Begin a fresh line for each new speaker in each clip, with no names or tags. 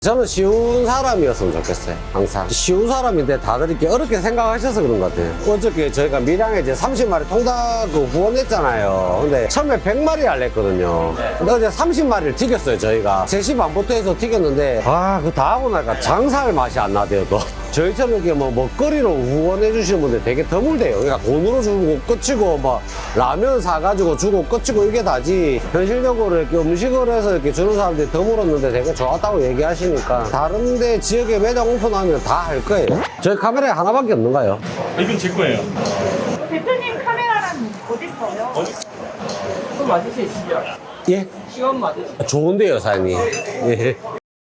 저는 쉬운 사람이었으면 좋겠어요. 항상 쉬운 사람인데 다들 이렇게 어렵게 생각하셔서 그런 것 같아요. 어저께 저희가 밀양에 이제 30마리 통닭 후원했잖아요. 근데 처음에 100마리 할랬거든요. 근데 어제 30마리를 튀겼어요. 저희가 3시 반부터 해서 튀겼는데 그 다 하고 나니까 장사할 맛이 안 나대요. 또 저희처럼 이렇게 뭐 먹거리로 후원해 주시는 분들 되게 드물대요. 그러니까 돈으로 주고 끝이고 뭐 라면 사가지고 주고 끝이고 이게 다지, 현실적으로 이렇게 음식으로 해서 이렇게 주는 사람들이 드물었는데 되게 좋았다고 얘기하시니까 다른데 지역에 매장 오픈하면 다 할 거예요. 저희 카메라에 하나밖에 없는가요?
이건 제 거예요.
대표님 카메라는 어디 있어요?
그거 맞으세요, 시간?
예?
시간 맞으세요?
좋은데요, 사장님. 예.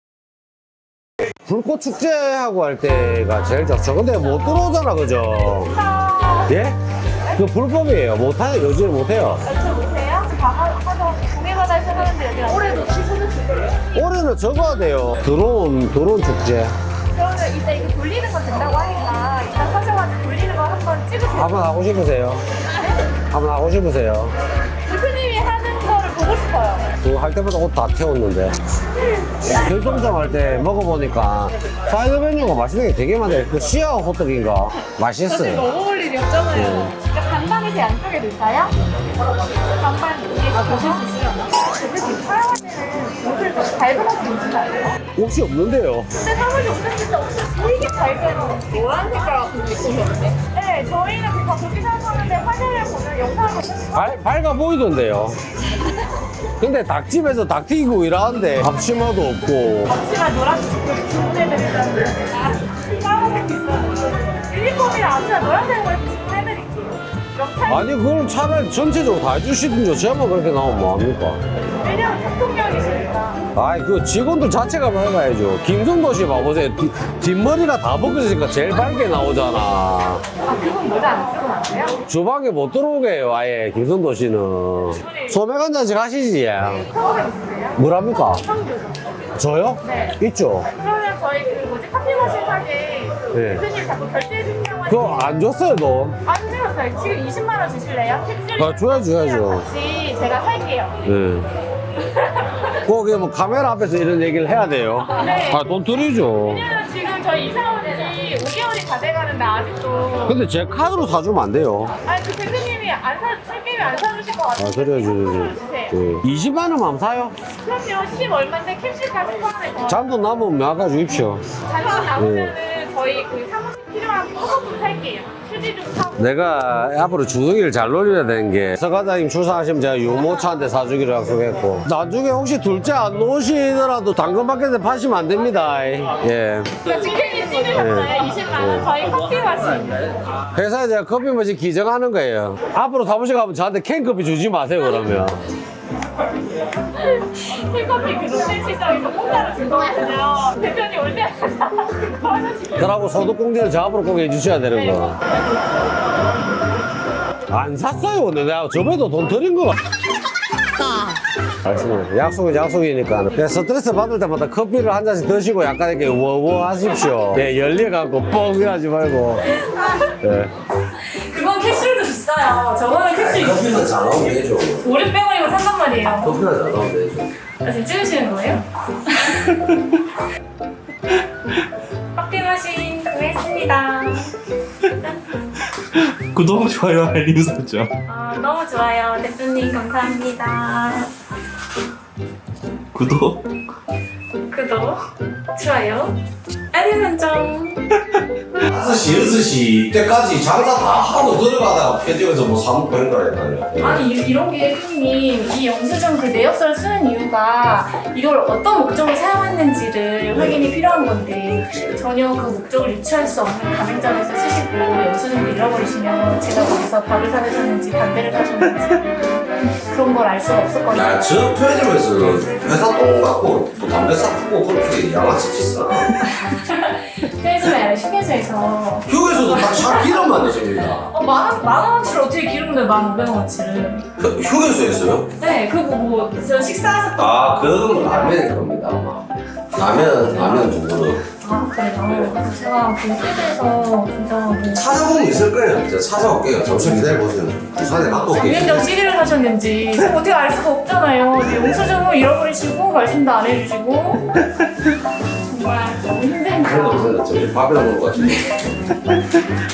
불꽃 축제하고 할 때가 제일 좋죠. 근데 못 들어오잖아, 그죠? 예? 그 불법이에요. 못하요, 요즘 못해요.
저 못해요? 하도 공예바다에서 하는데 여기 올해도 취소됐어요.
올해는 적어야 돼요. 드론 축제.
그러면 이따 이거 돌리는 거 된다고 하니까 이따 사셔가지고 돌리는 거 한번 찍으세요.
한번 하고 싶으세요? 한번 하고 싶으세요?
대표님이 하는 거를 보고 싶어요.
그거 할 때마다 옷 다 태웠는데. 결정장 할 때 먹어보니까 사이드 메뉴가 맛있는 게 되게 많아요. 그 시아 호떡인가? 맛있어요.
너무 올 일이 없잖아요. 그러니까 반반이 제 양쪽에 넣을까요? 반반 위에서 보실 수 있으려나? 대표님 촬영할 때는 옷을 좀 밝은 옷을 입으시나요?
옷이 없는데요.
근데 사무실 오셨을 때 옷을 되게 밝은 노란 색깔 같은 거 입고 오셨는데? 네, 저희는 그냥 그렇게 생각하는데 화면을 보면 영상을 보면
밝아 보이던데요. 근데 닭집에서 닭 튀기고 일하는데 앞치마도 없고.
앞치마 노란색 주문해드리려고 까만색 있어요. 유니폼이랑 앞치마 노란색으로 주문해드릴게요.
아니 그걸 차라리 전체적으로 다 해주시든지 제만 그렇게 나오면 뭐합니까?
왜냐면 대통령이시니까.
아이 그 직원들 자체가 밝아야죠. 김성도 씨 봐보세요. 뒷머리가 다 벗겨지니까 제일 밝게 나오잖아.
아, 그분 모자 안 쓰고 나와요?
주방에 못 들어오게 해요 아예 김성도 씨는. 소맥 한 잔씩 하시지.
성우가 있으세요?
뭐랍니까?
성우.
저요?
네.
있죠.
그러면 저희 그 뭐지 커피 머신 사게
네.
대표님 자꾸 결제해 주시냐고
그거 안 줬어요 너?
안 주셨어요. 지금 20만 원 주실래요? 캡슐
줘야죠.
같이 제가 살게요.
네. 거기 뭐 카메라 앞에서 이런 얘기를 해야 돼요.
네.
아 돈 드리죠.
왜냐면 지금 저희 이사 온 지 5개월이 다 돼가는데 아직도
근데 제 카드로 사주면 안 돼요.
아니 그 대표님이 술게임이 안 사주실 것 같아요.
아 그래야죠.
주세요.
네. 20만 원만 사요.
그럼요. 10 얼마인데 캡슐까지 포함해서
잔돈 남으면 나가 주십시오.
잔돈 남으면은 저희 그 사무실 필요한 소금 살게요. 휴지 좀 사고.
내가 앞으로 주둥이를 잘 놀려야 되는 게 서과장님 출산하시면 제가 유모차한테 사주기로 약속했고 나중에 혹시 둘째 안 놓으시더라도 당근마켓에 파시면 안 됩니다. 예.
직행이 찍으셨어요. 20만 원. 저희 커피 마신.
회사에 제가 커피 머신 기증하는 거예요. 앞으로 사무실 가면 저한테 캔커피 주지 마세요 그러면.
캔커피 그 롯데 시장에서 공짜로 줄 거거든요. 대표님 올 때마다 그거 하나씩.
그러고 소득공제를 저 앞으로 꼭 해주셔야 되는 거. 안 샀어요. 근데 내가 저번에도 돈 드린 거. 알겠습니다. 약속은 약속이니까. 그냥 스트레스 받을 때마다 커피를 한 잔씩 드시고 약간 이렇게 워워 하십시오. 네, 열려갖고 뻥 이러지 말고. 네.
그건 캡슐도 비싸요. 저거는 캡슐
커피는 잘 나오면 되죠.
5, 600원이면 산단 말이에요.
커피는 잘 나오면 되죠.
아, 지금 찍으시는 거예요? 커피 머신 구했습니다.
구독, 좋아요, 알림 설정.
너무 좋아요. 대표님 감사합니다.
구독.
구독, 좋아요, 알림 설정.
5시, 6시 때까지 장사 다 하고 들어가다가 편집에서 뭐 사먹고 그런 거랬나요?
아니 이런 게 대표님 이 영수증 그 내역서를 쓰는 이유가 이걸 어떤 목적으로 사용했는지를 확인이 필요한 건데 전혀 그 목적을 유추할 수 없는 가맹점에서 쓰시고 영수증을 잃어버리시면 제가 거기서 밥을 사드셨는지 담배를 사셨는지 그런 걸 알 수가 없었거든요.
야, 저 편의점에서 회사 돈 갖고 또 담배 사고 그렇게 양아치 짓을 안 해요.
편의점이 아니라 휴게소에서
휴게소도 딱차 기름만 내줍니다.
만 원어치를 어떻게 기름을 1,500원어치를
그 휴게소에서요?
네 그거 저 식사하셨던
아, 그건 라면일 겁니다, 아마. 라면 두 그릇.
그래요? 그래서 제가 그 휴게소에서 진짜 뭐
찾아보면 있을 거예요. 제가 찾아올게요. 잠시 기다려보세요. 부산에 갖고 올게요.
장면정 CD를 사셨는지 제가 어떻게 알 수가 없잖아요. 영수증을 잃어버리시고 말씀도 안 해주시고 정말 너무 힘듭니다.
없어요. 점심 밥이나 먹는 것 같은데.